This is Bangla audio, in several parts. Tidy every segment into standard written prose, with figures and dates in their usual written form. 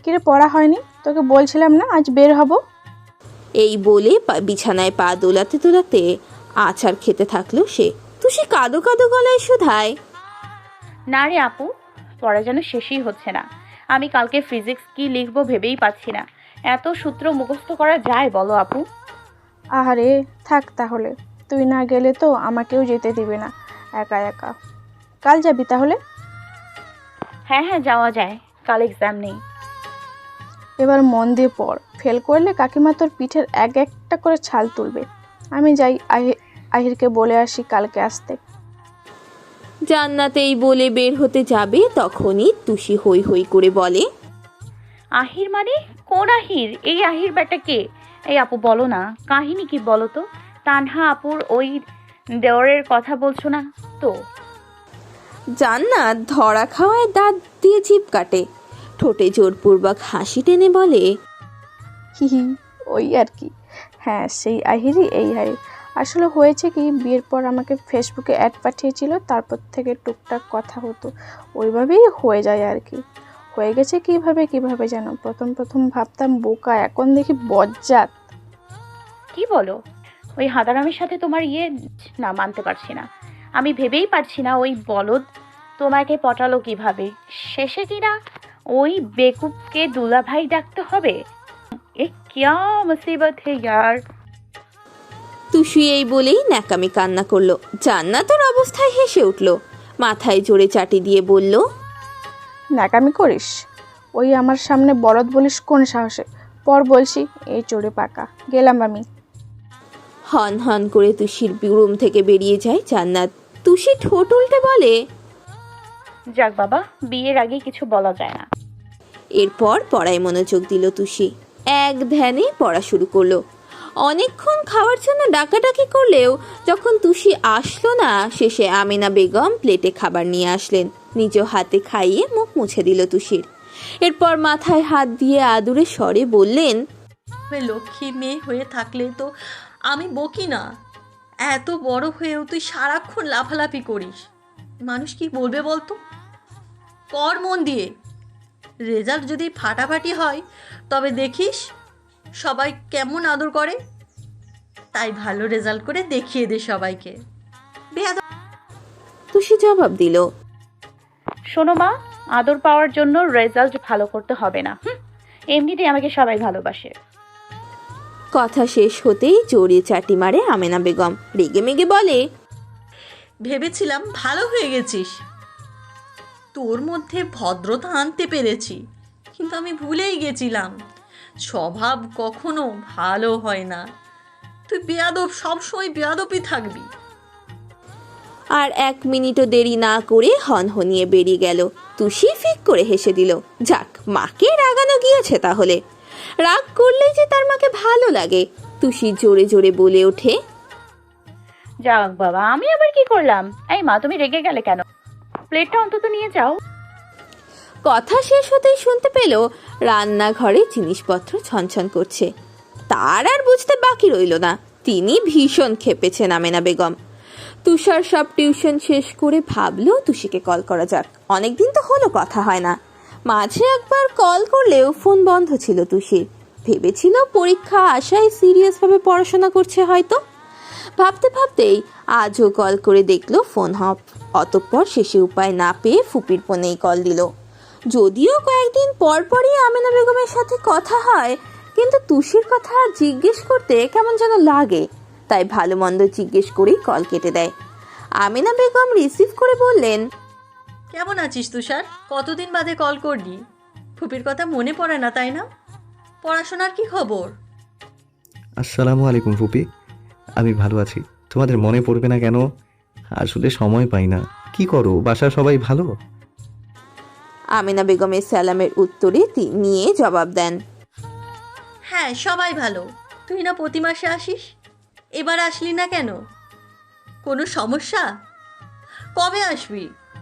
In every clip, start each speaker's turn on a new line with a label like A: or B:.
A: কিরে পড়া হয়নি? তোকে বলছিলাম না আজ বের হব।
B: এই বলে বিছানায় পা দোলাতে দোলাতে আচার খেতে থাকলো সে। তুষি কাঁদো কাঁদো গলায় শুধায়,
C: না রে আপু, পড়া যেন শেষই হচ্ছে না। আমি কালকে ফিজিক্স কি লিখবো ভেবেই পাচ্ছি না। এত সূত্র মুখস্থ করা যায় বলো আপু?
A: আহারে থাক তাহলে, তুই না গেলে তো আমাকেও যেতে দিবে না একা একা। কাল যাবি তাহলে?
C: হ্যাঁ হ্যাঁ, যাওয়া যায়, কাল এক্সাম নেই।
A: এবার মন দিয়ে পড়, ফেল করলে কাকিমা তোর পিঠের এক একটা করে ছাল তুলবে। আমি যাই, আহিরকে বলে আসি কালকে আসতে।
B: জান্নাত এই বলে বের হতে যাবে তখনই তুষি হই হই করে বলে,
C: আহির মানে কোন আহির? এই আহির বেটা কে? এই আপু বলো না, কাহিনী কি বলো তো? তানহা আপুর ওই দেওরের কথা বলছো না তো?
B: জান্নাত ধরা খাওয়ায় দাঁত দিয়ে জিভ কাটে, ঠোঁটে জোরপূর্বক হাসি টেনে বলে,
A: হি হি, ওই আর কি। হ্যাঁ সেই আহিরই এই আহির। আসলে হয়েছে কি, বিয়ের পর আমাকে ফেসবুকে অ্যাড পাঠিয়েছিল, তারপর থেকে টুকটাক কথা হতো, ওইভাবেই হয়ে যায় আর কি। হয়ে গেছে কিভাবে যেন, প্রথম ভাবতাম বোকা, এখন দেখি বজ্জাত।
C: কি বলো? ওই হাদারামের সাথে তোমার না, মানতে পারছি না। আমি ভেবেই পারছি না ওই বলদ তোমাকে পটালো কিভাবে। শেষে কিনা ওই বেকুবকে দুলাভাই ডাকতে হবে। এ কিয়া মুসিবত হে ইয়ার।
B: তুষি এই বলেই ন্যাকামি কান্না করলো। জান্নাতের অবস্থায় হেসে উঠল, মাথায় জোরে চাটি দিয়ে বলল,
A: ন্যাকামি করিস? ওই আমার সামনে বলদ বলিস কোন সাহসে? পর বলছি, এই চড়ে পাকা গেলাম আমি।
B: হন হন করে তুষির রুম থেকে বেরিয়ে যায় জান্নাত। তুষি ঠোঁট উল্টে বলে,
C: যাক বাবা, বিয়ের আগে কিছু বলা যায় না।
B: এরপর পড়ায় মনোযোগ দিল তুষি। এক ধ্যানে পড়া শুরু করলো। অনেকক্ষণ খাওয়ার জন্য ডাকাডাকি করলেও যখন তুষি আসলো না, শেষে আমিনা বেগম প্লেটে খাবার নিয়ে আসলেন। নিজ হাতে খাইয়ে মুখ মুছে দিল তুষির। এরপর মাথায় হাত দিয়ে আদুরে স্বরে বললেন,
D: লক্ষ্মী মেয়ে হয়ে থাকলে তো আমি বকি না। এত বড় হয়েও তুই সারাক্ষণ লাফালাফি করিস, মানুষ কি বলবে বলতো? পড় মন দিয়ে, রেজাল্ট যদি ফাটাফাটি হয় তবে দেখিস সবাই কেমন আদর করে। তাই ভালো রেজাল্ট করে দেখিয়ে দে সবাইকে। বেয়াদব।
B: তুষি জবাব দিল,
C: শোনো মা, আদর পাওয়ার জন্য রেজাল্ট ভালো করতে হবে না। এমনিতেই আমাকে সবাই ভালোবাসে।
B: কথা শেষ হতেই জোরে চাটি মারে আমেনা বেগম। রেগে মেগে বলে,
D: ভেবেছিলাম ভালো হয়ে গেছিস, তোর মধ্যে ভদ্রতা আনতে পেরেছি, কিন্তু আমি ভুলেই গেছিলাম স্বভাব কখনো ভালো হয় না। তুই বেয়াদব, সবসময় বেয়াদবই থাকবি।
B: আর এক মিনিটও দেরি না করে হনহনিয়ে বেরিয়ে গেল। তুষি ফিক করে হেসে দিল। যাক, মাকে রাগানো গিয়েছে তাহলে। রাগ করলেই যে তার মাকে ভালো লাগে। তুষি জোরে জোরে বলে ওঠে,
C: যাক বাবা, আমি আবার কি করলাম? এই মা, তুমি রেগে গেলে কেন? প্লেটটা অন্তত নিয়ে যাও।
B: কথা শেষ হতেই শুনতে পেল রান্নাঘরে জিনিসপত্র ছনছন করছে। তার আর বুঝতে বাকি রইল না, তিনি ভীষণ ক্ষেপেছেন আমেনা বেগম। তুষার সব টিউশন শেষ করে ভাবলো তুষিকে কল করা যাক। অনেকদিন তো হলো কথা হয় না। মাঝে একবার কল করলেও ফোন বন্ধ ছিল তুষির। ভেবেছিল পরীক্ষা আশায় সিরিয়াসভাবে পড়াশোনা করছে হয়তো। ভাবতে ভাবতেই আজও কল করে দেখলো ফোন অফ। অতঃপর শেষে উপায় না পেয়ে ফুপির ফোনেই কল দিল। যদিও কয়েকদিন পর পরই আমেনা বেগমের সাথে কথা হয়, কিন্তু তুষির কথা জিজ্ঞেস করতে কেমন যেন লাগে। তাই ভালো মন্দ জিজ্ঞেস করেই কল কেটে দেয়। আমেনা বেগম রিসিভ করে বললেন,
D: কেমন আছিস তুষার? কতদিন বাদে কল করলি? ফুপির কথা মনে পড়ে না তাই না? পড়াশোনার কি খবর?
E: আসসালামু আলাইকুম ফুপি, আমি ভালো আছি। তোমাদের মনে পড়বে না কেন? আসলে সময় পাই না। কি করো, বাসার সবাই ভালো?
B: আমেনা বেগমের সালামের উত্তরে নিয়ে জবাব দেন,
D: হ্যাঁ সবাই ভালো। তুই না প্রতি মাসে আসিস, এবার আসলি না কেন? কোনো সমস্যা? কবে আসবি?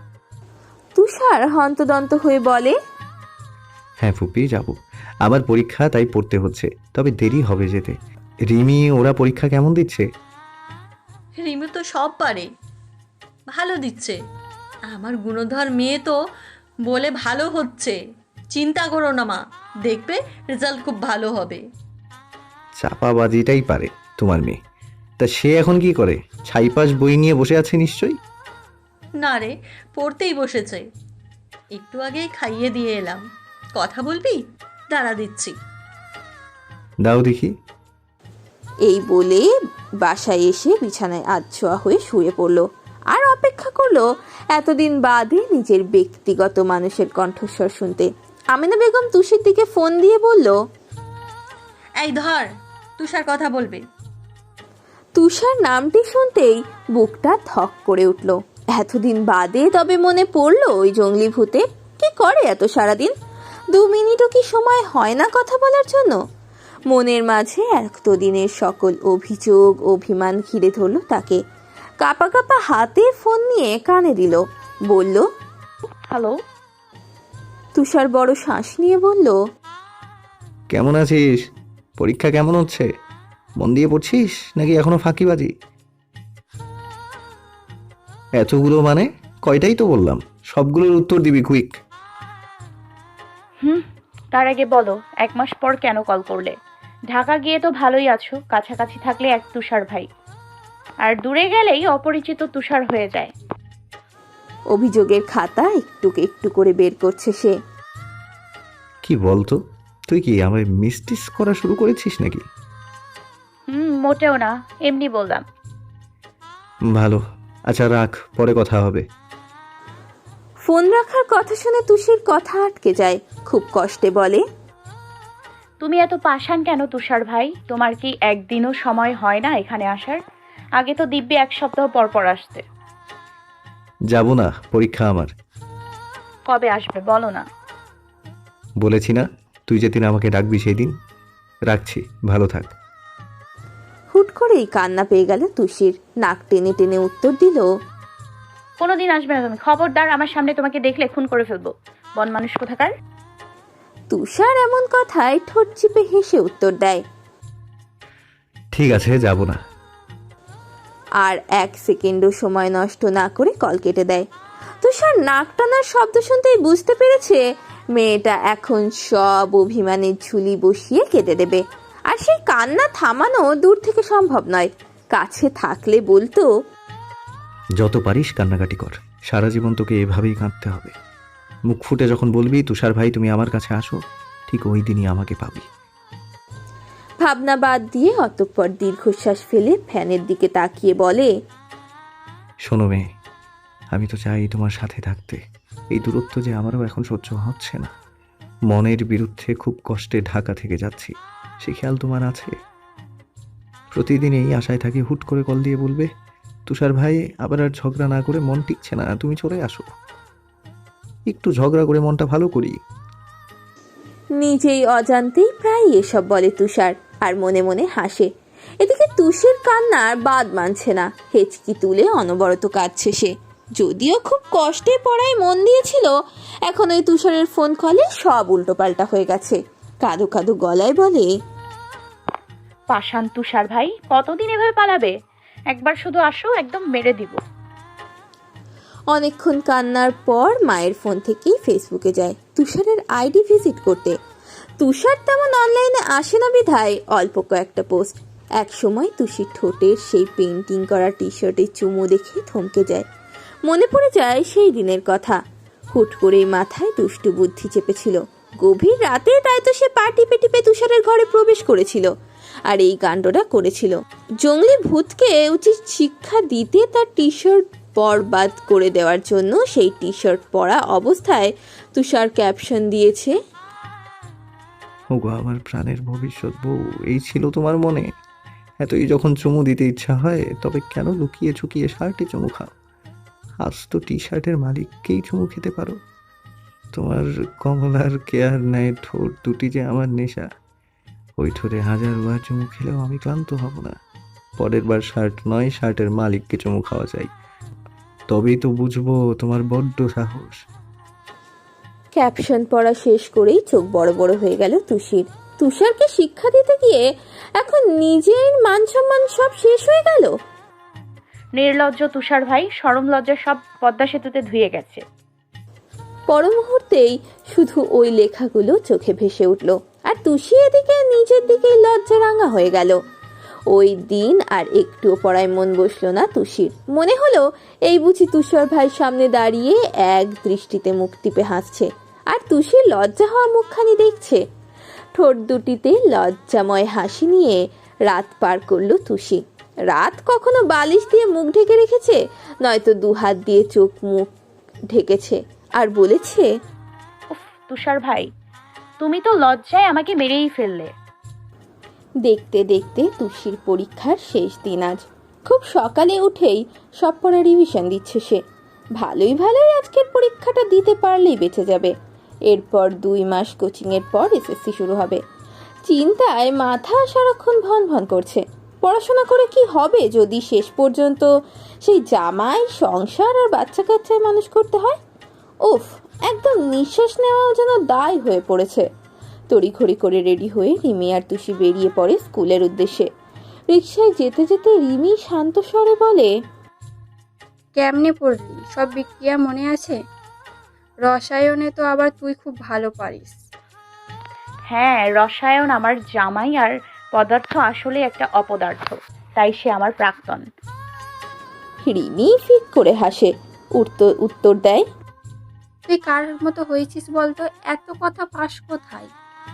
B: তুষার হন্তদন্ত হয়ে বলে,
E: হ্যাঁ ফুপি, যাব। আবার পরীক্ষা, তাই পড়তে হচ্ছে, তবে দেরি হবে যেতে। রিমি ওরা পরীক্ষা কেমন দিচ্ছে?
D: রিমু তো সব পারে, ভালো দিচ্ছে। আমার গুণধর মেয়ে তো বলে ভালো হচ্ছে, চিন্তা করো না মা, দেখবে রেজাল্ট খুব ভালো হবে।
E: চাপাবাজিটাই পারে তোমার মেয়ে। তা সে এখন কি করে? ছাইপাশ বই নিয়ে বসে আছে নিশ্চয়ই।
D: না রে, পড়তেই বসেছে। একটু আগেই খাইয়ে দিয়ে এলাম। কথা বলবি? দাঁড়া দিচ্ছি।
E: দাও দেখি।
B: এই বলে বাসায় এসে বিছানায় আধছোয়া হয়ে শুয়ে পড়ল আর অপেক্ষা করলো এতদিন বাদে নিজের ব্যক্তিগত মানুষের কণ্ঠস্বর শুনতে। আমেনা বেগম তুষির দিকে ফোন দিয়ে বলল,
D: এই ধর, তুষার কথা বলবে।
B: তুষার নামটি শুনতেই বুকটা ধক করে উঠল। এতদিন বাদে তবে মনে পড়লো ওই জঙ্গলি ভূতে। কি করে এত সারাদিন? 2 মিনিটও কি সময় হয় না কথা বলার জন্য? মনের মাঝে এতদিনের সকল অভিযোগ অভিমান ঘিরে ধরল তাকে। কাপা কাপা হাতে ফোন নিয়ে কানে দিল, বলল,
C: হ্যালো।
B: তুষার বড় শ্বাস নিয়ে বলল,
E: কেমন আছিস? পরীক্ষা কেমন হচ্ছে? মন দিয়ে পড়ছিস নাকি এখনো ফাঁকিবাজি? এতগুলো মানে? কয়টাই তো বললাম, সবগুলোর উত্তর দিবি কুইক।
C: তার আগে বলো, 1 মাস পর কেন কল করলে? ঢাকা গিয়ে তো ভালোই আছো, কাছাকাছি থাকলে এক তুষার ভাই, আর দূরে গেলেই অপরিচিত তুষার হয়ে যায়।
B: অভিযোগের খাতা একটু একটু করে বের করছে সে।
E: কি বলতো, তুই কি আমায় মিস্টিস করা শুরু করেছিস নাকি?
C: মোটেও না, এমনি বললাম।
E: ভালো, আচ্ছা রাখ, পরে কথা হবে।
B: ফোন রাখার কথা শুনে তুষির কথা আটকে যায়। খুব কষ্টে বলে,
C: তুমি এত পাষাণ কেন তুষার ভাই? তোমার কি একদিনও সময় হয় না এখানে আসার? আগে তো দিব্যি 1 সপ্তাহ পর পর আসতে।
E: যাব না, পরীক্ষা আমার।
C: কবে আসবে বলো না?
E: বলেছি না, তুই যেদিন আমাকে ডাকবি সেই দিন। রাখছি, ভালো থাক।
B: হুট করেই কান্না পেয়ে গেল তুষির। নাক টেনে টেনে উত্তর দিল,
C: কোনোদিন আসবে না তুমি, খবরদার। আমার সামনে তোমাকে দেখলে খুন করে ফেলবো, বন মানুষ কোথাকার।
B: তুষার এমন কথায় ঠোঁট চিপে হেসে উত্তর দেয়।
E: ঠিক আছে, যাব না।
B: আর 1 সেকেন্ডও সময় নষ্ট না করে কল কেটে দেয়। তুষার নাক টানার শব্দ শুনতেই বুঝতে পেরেছে মেয়েটা এখন সব অভিমানের ঝুলি বসিয়ে কেটে দেবে। আর সেই কান্না থামানো দূর থেকে সম্ভব নয়। কাছে থাকলে বলতো,
E: যত পারিস কান্নাকাটি কর, সারা জীবন তোকে এভাবেই কাঁদতে হবে। মুখ ফুটে যখন বলবি তুষার ভাই তুমি আমার কাছে আসো, ঠিক ওই দিনই আমাকে পাবি।
B: ভাবনা বাদ দিয়ে অতঃপর দীর্ঘশ্বাস ফেলে ফ্যানের দিকে তাকিয়ে বলে,
E: শোনো মেয়ে, আমি তো চাই তোমার সাথে থাকতে। এই দূরত্ব যে আমারও এখন সহ্য হচ্ছে না। মনের বিরুদ্ধে খুব কষ্টে ঢাকা থেকে যাচ্ছি, সে খেয়াল তোমার আছে? প্রতিদিন এই আশায় থাকি হুট করে কল দিয়ে বলবে তুষার ভাই আবার আর ঝগড়া না করে মন টিকছে না, তুমি চলে আসো। একটু ঝগড়া করে মনটা ভালো করি।
B: নিজেই অজান্তেই প্রায় এসব বলে তুষার, আর মনে মনে হাসে। এদিকে তুষির কান্নার বাদ মানছে না। হেঁচকি তুলে অনবরত কাঁদছে সে। যদিও খুব কষ্টে পড়ায় মন দিয়েছিল, এখন ওই তুষারের ফোন কলে সব উল্টোপাল্টা হয়ে গেছে। কাঁদো কাঁদো গলায় বলে,
C: পাষাণ তুষার ভাই, কতদিন এভাবে পালাবে? একবার শুধু আসো, একদম মেরে দিব।
B: অনেকক্ষণ কান্নার পর মায়ের ফোন থেকেই ফেসবুকে যায় তুষারের আইডি ভিজিট করতে। তুষার তেমন অনলাইনে আসে না বিধায় অল্প কয়েকটা পোস্ট। এক সময় তুষির ঠোঁটের সেই পেন্টিং করা টি শার্টের চুমু দেখে থমকে যায়। মনে পড়ে যায় সেই দিনের কথা। হুট করেই মাথায় দুষ্টু বুদ্ধি চেপেছিল। গভীর রাতে তাই তো সে পা টিপে টিপে তুষারের ঘরে প্রবেশ করেছিল আর এই কাণ্ডটা করেছিল। জঙ্গলি ভূতকে উচিত শিক্ষা দিতে তার টি শার্ট বরবাদ করে দেওয়ার জন্য সেই টি শার্ট পরা অবস্থায় তুষার ক্যাপশন দিয়েছে,
E: ওগো আমার প্রাণের ভবিষ্যৎ বউ, এই ছিল তোমার মনে? এতই যখন চুমু দিতে ইচ্ছা হয় তবে কেন লুকিয়ে চুকিয়ে শার্টে চুমু খাও? আজ তো টি শার্টের মালিককেই চুমু খেতে পারো। তোমার কমলার কেয়ার নেয় ঠোঁট দুটি যে আমার নেশা। ওই ঠোঁটে 1000 বার চুমু খেলেও আমি ক্লান্ত হব না। পরের বার শার্ট নয়, শার্টের মালিককে চুমু খাওয়া চাই, তবেই তো বুঝবো তোমার বড্ড সাহস।
B: ক্যাপশন পড়া শেষ করেই চোখ বড় বড় হয়ে গেল তুষির। তুষারকে শিক্ষা দিতে গিয়ে এখন নিজের মান সম্মান সব শেষ হয়ে গেল।
C: নির্লজ্জ তুষার ভাই, শরম লজ্জা সব পদ্মা সেতুতে ধুয়ে গেছে।
B: পর মুহূর্তেই শুধু ওই লেখাগুলো চোখে ভেসে উঠল, আর তুষি এদিকে নিজের দিকে লজ্জা রাঙা হয়ে গেল। ওই দিন আর একটুও পড়ায় মন বসলো না তুষির। মনে হলো এই বুঝি তুষার ভাই সামনে দাঁড়িয়ে এক দৃষ্টিতে মুখ টিপে হাসছে, আর তুষির লজ্জা হওয়া মুখখানি দেখছে। ঠোঁট দুটিতে লজ্জাময় হাসি নিয়ে রাত পার করলো তুষি। রাত কখনো বালিশ দিয়ে মুখ ঢেকে রেখেছে, নয়তো দুহাত দিয়ে চোখ মুখ ঢেকেছে, আর বলেছে,
C: উফ তুষার ভাই, তুমি তো লজ্জায় আমাকে মেরেই ফেললে।
B: দেখতে দেখতে তুষির পরীক্ষার শেষ দিন আজ। খুব সকালে উঠেই সব পড়া রিভিশন দিচ্ছে সে। ভালোই আজকের পরীক্ষাটা দিতে পারলেই বেঁচে যাবে। এরপর 2 মাস কোচিংয়ের পর এসএসসি শুরু হবে। চিন্তায় মাথা সারাক্ষণ ভন ভন করছে। পড়াশোনা করে কি হবে যদি শেষ পর্যন্ত সেই জামাই, সংসার আর বাচ্চা কাচ্চায় মানুষ করতে হয়? উফ, একদম নিঃশ্বাস নেওয়াও যেন দায় হয়ে পড়েছে। তড়িঘড়ি করে রেডি হয়ে রিমি আর তুষি বেরিয়ে পড়ে স্কুলের উদ্দেশ্যে। রিকশায় যেতে যেতে রিমি শান্ত স্বরে বলে,
A: কেমনে পড়লি? সব বিক্রিয়া মনে আছে? রসায়নে তো আবার তুই খুব ভালো পারিস।
C: হ্যাঁ, রসায়ন আমার জামাই, আর পদার্থ আসলে একটা অপদার্থ, তাই সে আমার প্রাক্তন।
B: রিমি ফিক করে হাসে, উত্তর দেয়,
A: তুই কার মতো হয়েছিস বলতো? এত কথা পাস কোথায়?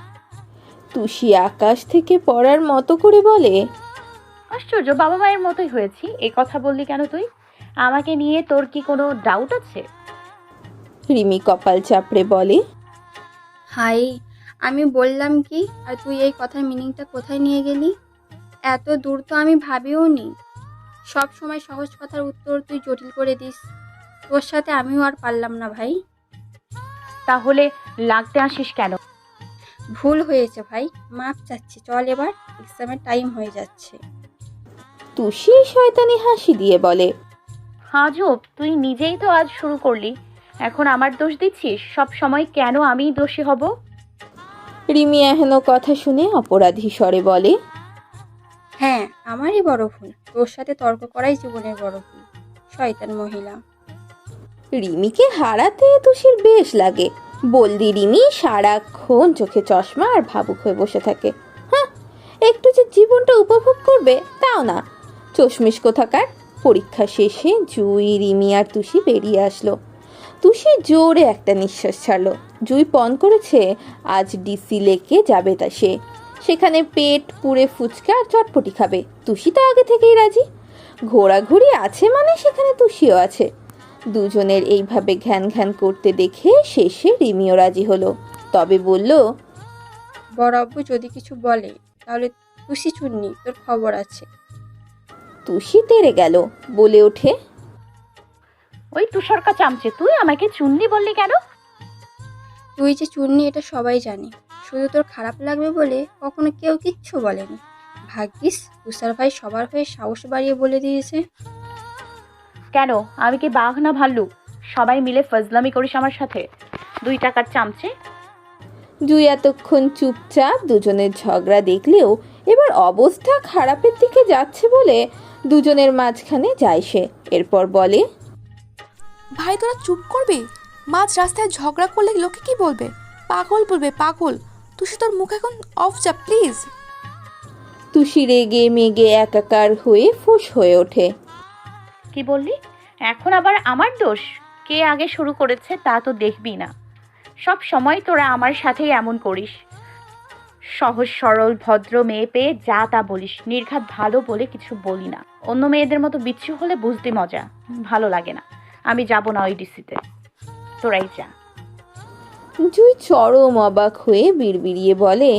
B: তুষি আকাশ থেকে পড়ার মতো করে বলে,
C: আশ্চর্য, বাবা মায়ের মতোই হয়েছি। এ কথা বললি কেন তুই? আমাকে নিয়ে তোর কি কোনো ডাউট আছে?
B: রিমি কপাল চাপড়ে বলে,
A: হাই, আমি বললাম কি, আর তুই এই কথার মিনিংটা কোথায় নিয়ে গেলি? এত দূর তো আমি ভাবিও নি। সব সময় সহজ কথার উত্তর তুই জটিল করে দিস। তোর সাথে আমিও আর পারলাম না ভাই।
C: তাহলে লাগতে আসিস কেন?
A: ভুল হয়েছে ভাই, মাপ চাচ্ছি। চল এবার, এক্সামের টাইম হয়ে যাচ্ছে।
B: তুষি শয়তানি হাসি দিয়ে বলে,
C: আজব, তুই নিজেই তো আজ শুরু করলি, এখন আমার দোষ দিচ্ছিস? সব সময় কেন আমিই দোষী হব?
B: রিমি এহেন কথা শুনে অপরাধী স্বরে বলে,
A: হ্যাঁ, আমারই বড় ভুল। তোর সাথে তর্ক করাই জীবনের বড় ভুল, শয়তান মহিলা।
B: রিমিকে হারাতে তুষির বেশ লাগে। বলদি রিমি সারাক্ষণ চোখে চশমা আর ভাবুক হয়ে বসে থাকে। হ্যাঁ, একটু যে জীবনটা উপভোগ করবে তাও না। চশমিশ কোথাকার। পরীক্ষা শেষে জুই, রিমি আর তুষি বেরিয়ে আসলো। তুষি জোরে একটা নিঃশ্বাস ছাড়লো। জুই পণ করেছে আজ ডিসি লেকে যাবে তা সে। সেখানে পেট পুড়ে ফুচকা আর চটপটি খাবে। তুষি তো আগে থেকেই রাজি। ঘোরাঘুরি আছে মানে সেখানে তুষিও আছে। দুজনের এইভাবে ঘ্যান ঘ্যান করতে দেখে শেষে রিমিও রাজি হলো। তবে বলল,
A: বড় আব্বু যদি কিছু বলে তাহলে তুষি চুন্নি, তোর খবর আছে।
B: তুষি তেড়ে গেল, বলে ওঠে,
C: ওই তুষারকা চামচে, তুই আমাকে চুন্নি বললি কেন?
A: তুই যে চুন্নি এটা সবাই জানে, শুধু তোর খারাপ লাগবে বলে কখনো কেউ কিচ্ছু বলেনি। ভাগ্যিস তুষার ভাই সবার হয়ে সাহস বাড়িয়ে বলে দিয়েছে।
C: কেন, আমি কি বাঘ না ভাল্লুক? সবাই মিলে ফজলামি করিস আমার সাথে? 2 টাকার চামচে।
B: জুই এতক্ষণ চুপচাপ দুজনের ঝগড়া দেখলেও এবার অবস্থা খারাপের দিকে যাচ্ছে বলে দুজনের মাঝখানে যায় সে। এরপর বলে,
F: ভাই তোরা চুপ করবি? মাঝ রাস্তায় ঝগড়া করলে লোকে কি বলবে? পাগল বলবে, পাগল। তুই তোর মুখ এখন অফ যা প্লিজ।
B: তুষি রেগে মেগে একাকার হয়ে ফুঁস হয়ে ওঠে।
C: কি বললি? এখন আবার আমার দোষ? কে আগে শুরু করেছে তা তো দেখবি না। সব সময় তোরা আমার সাথেই এমন করিস। সহজ সরল ভদ্র মেয়ে পেয়ে যা তা বলিস, নির্ঘাত ভালো বলে কিছু বলি না। অন্য মেয়েদের মতো বিচ্ছু হলে বুঝতে মজা, ভালো লাগে না। আমি যাব না ওই ডিসিতে, তোরাই যা।
B: জুই চরম অবাক হয়ে বিড়বিড়িয়ে বলে,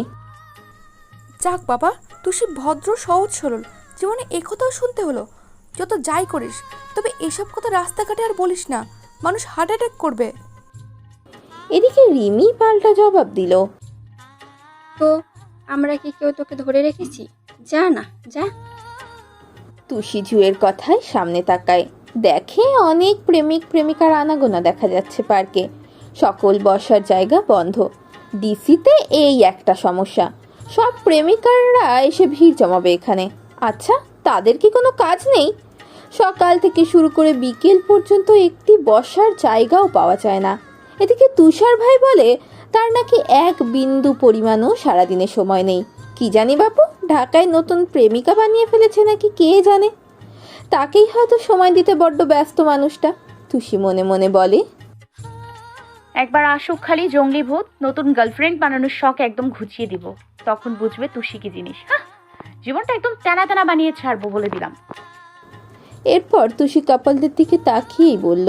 F: যাক বাবা, তুই সে ভদ্র সহজ সরল, জীবনে একথাও শুনতে হলো। যত যাই করিস, তবে এসব কথা রাস্তাঘাটে আর বলিস না, মানুষ হার্ট অ্যাটাক করবে।
B: এদিকে রিমি পাল্টা জবাব দিল,
A: তো আমরা কি কেউ তোকে ধরে রেখেছি? যা না, যা।
B: তুষি জুয়ের কথায় সামনে তাকায়, দেখে অনেক প্রেমিক প্রেমিকার আনাগোনা দেখা যাচ্ছে পার্কে। সকল বসার জায়গা বন্ধ। ডিসিতে এই একটা সমস্যা, সব প্রেমিকাররা এসে ভিড় জমাবে এখানে। আচ্ছা, তাদের কি কোনো কাজ নেই? সকাল থেকে শুরু করে বিকেল পর্যন্ত একটি বসার জায়গাও পাওয়া যায় না। এদিকে তুষার ভাই বলে তার নাকি এক বিন্দু পরিমাণও সারাদিনে সময় নেই। কি জানি বাপু, ঢাকায় নতুন প্রেমিকা বানিয়ে ফেলেছে নাকি কে জানে। তাকেই হয়তো সময় দিতে বড্ড ব্যস্ত মানুষটা। তুষি মনে মনে বলে,
C: একবার আসুক খালি জঙ্গলি ভূত, নতুন গার্লফ্রেন্ড বানানোর শখ একদম ঘুচিয়ে দিব, তখন বুঝবে তুষি কি জিনিস। হ্যাঁ, জীবনটা একদম টানা টানা বানিয়ে ছাড়বো বলে দিলাম।
B: এরপর তুষি কাপলদের দিকে তাকিয়েই বলল,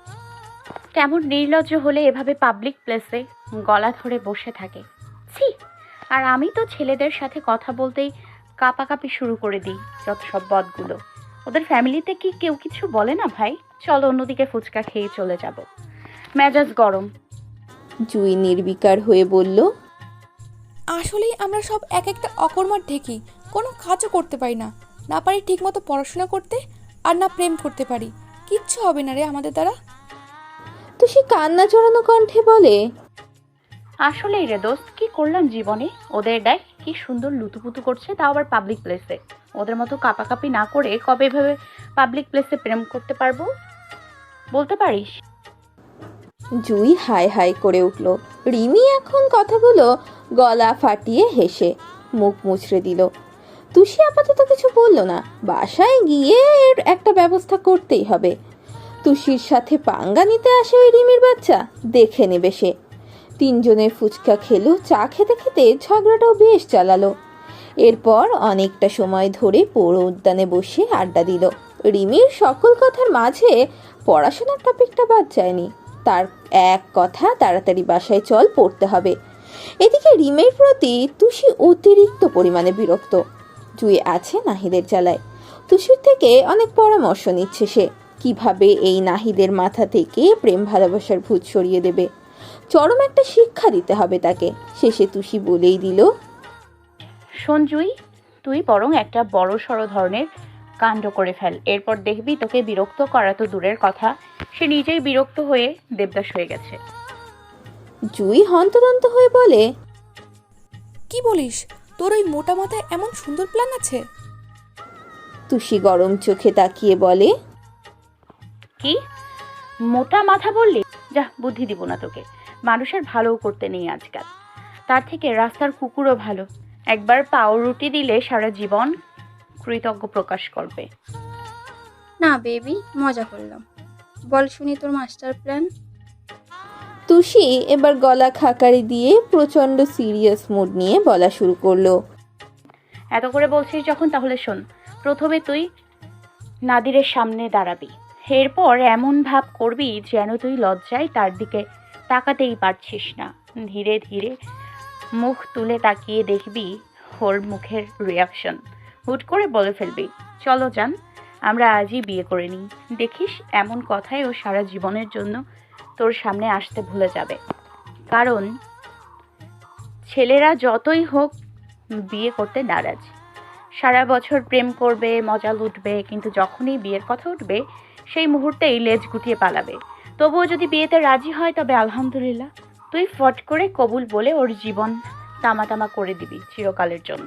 C: কেমন নির্লজ্জ হলে এভাবে পাবলিক প্লেসে গলা ধরে বসে থাকে। ছি! আর আমি তো ছেলেদের সাথে কথা বলতেই কাঁপাকাঁপি শুরু করে দিই। যত সব বদগুলো, ওদের ফ্যামিলিতে কি কেউ কিছু বলে না ভাই? চলো অন্যদিকে ফুচকা খেয়ে চলে যাব, মেজাজ গরম।
B: জুই নির্বিকার হয়ে বলল,
F: আসলেই আমরা সব এক একটা অকর্মার ঢেকি, কোনো কাজও করতে পারি না, না পারি ঠিকমতো পড়াশোনা করতে, আর না প্রেম করতে পারি। কিচ্ছু হবে না রে আমাদের দ্বারা।
B: তুষি কান্না জড়ানো কণ্ঠে বলে,
C: আসলেই রে দোস্ত, কি করলাম জীবনে? ওদের দেখ কি সুন্দর লুতুপুতু করছে, তাও আবার পাবলিক প্লেসে। ওদের মতো কাঁপাকাঁপি না করে কবে ভেবে পাবলিক প্লেসে প্রেম করতে পারবো বলতে পারিস?
B: জুই হাই হাই করে উঠল। রিমি এখন কথাগুলো গলা ফাটিয়ে হেসে মুখ মুচড়ে দিল। তুষি আপাতত কিছু বলল না। বাসায় গিয়ে এর একটা ব্যবস্থা করতেই হবে। তুষির সাথে পাঙ্গা নিতে আসে ওই রিমির বাচ্চা, দেখে নেবে সে। তিনজনে ফুচকা খেলো। চা খেতে খেতে ঝগড়াটাও বেশ চালালো। এরপর অনেকটা সময় ধরে পৌর উদ্যানে বসে আড্ডা দিল। রিমির সকল কথার মাঝে পড়াশোনার টপিকটা বাদ যায়নি। তার এক কথা, তাড়াতাড়ি বাসায় চল, পড়তে হবে। এদিকে রিমের প্রতি তুষি অতিরিক্ত পরিমাণে বিরক্ত। জুই আছে নাহিদের জ্বালায়। তুষির থেকে অনেক পরামর্শ নিচ্ছে সে, কিভাবে এই নাহিদের মাথা থেকে প্রেম ভালোবাসার ভূত সরিয়ে দেবে। চরম একটা শিক্ষা দিতে হবে তাকে। শেষে তুষি বলেই দিল,
C: শোন জুই, তুই বরং একটা বড় সড়ো ধরনের কাণ্ড করে ফেল, এরপর দেখবি তোকে বিরক্ত করা তো দূরের কথা, সে নিজেই বিরক্ত হয়ে দেবদাস হয়ে গেছে।
B: জুই হন্তদন্ত হয়ে বলে,
F: কি বলিস? তোর ওই মোটা মাথায় এমন সুন্দর প্ল্যান আছে?
B: তুষি গরম চোখে তাকিয়ে বলে,
C: কি মোটা মাথা বললি? যা, বুদ্ধি দিব না তোকে। মানুষের ভালো করতে নেই আজকাল, তার থেকে রাস্তার কুকুরও ভালো। একবার পাউরুটি দিলে সারা জীবন কৃতজ্ঞ প্রকাশ করবে।
G: না বেবি, মজা করলাম। বল শুনি তোর মাস্টার প্ল্যান।
B: তুষি এবার গলা খাকারি দিয়ে প্রচন্ড সিরিয়াস মুড নিয়ে বলা শুরু করলো,
C: এত করে বলছিস যখন, তাহলে শোন। প্রথমে তুই নাদিরের সামনে দাঁড়াবি, এরপর এমন ভাব করবি যেন তুই লজ্জায় তার দিকে তাকাতেই পারছিস না। ধীরে ধীরে মুখ তুলে তাকিয়ে দেখবি ওর মুখের রিয়াকশন। হুট করে বলে ফেলবি, চলো যান, আমরা আজই বিয়ে করে নিই। দেখিস এমন কথাই ও সারা জীবনের জন্য তোর সামনে আসতে ভুলে যাবে। কারণ ছেলেরা যতই হোক বিয়ে করতে নারাজ। সারা বছর প্রেম করবে, মজা লুটবে, কিন্তু যখনই বিয়ের কথা উঠবে সেই মুহূর্তেই লেজ গুটিয়ে পালাবে। তবুও যদি বিয়েতে রাজি হয় তবে আলহামদুলিল্লাহ, তুই ফট করে কবুল বলে ওর জীবন তামা করে দিবি চিরকালের জন্য।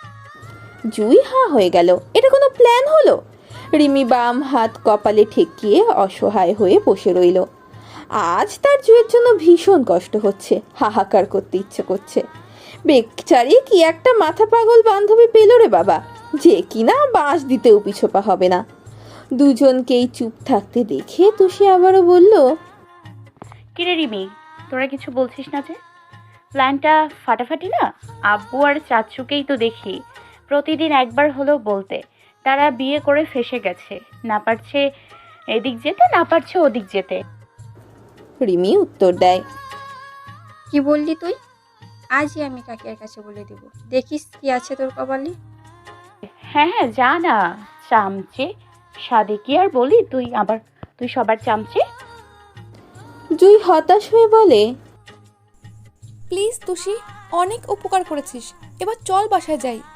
B: জুই হা হয়ে গেল। এটা কোনো প্ল্যান হলো? রিমি বাম হাত কপালে ঠেকিয়ে অসহায় হয়ে বসে রইল। আজ তার জুয়ের জন্য ভীষণ কষ্ট হচ্ছে, হাহাকার করতে ইচ্ছে করছে। বেচারি কি একটা মাথা পাগল বান্ধবী পেল রে বাবা, যে কিনা বাঁশ দিতেও পিছোপা হবে না। দুজনকেই চুপ থাকতে দেখে তুষি আবারও বলল,
C: কিরে রিমি, তোরা কিছু বলছিস না যে? প্ল্যানটা ফাটাফাটি না? আব্বু আর চাচুকেই তো দেখি প্রতিদিন একবার হলেও বলতে, তারা বিয়ে করে ফেসে গেছে, না পারছে এদিক যেতে, না পারছে ওদিক যেতে।
B: রিমি উত্তর দেয়,
G: কি বললি তুই? আজই আমি কাকিয়ার কাছে বলে দিব, দেখিস কি আছে তোর কপালে।
C: হ্যাঁ, যা না, চামচে সাদে কি আর বলি, তুই সবার চামচে।
B: জুই হতাশ হয়ে বলে,
F: প্লিজ তুষি, অনেক উপকার করেছিস, এবার চল বাসায় যাই।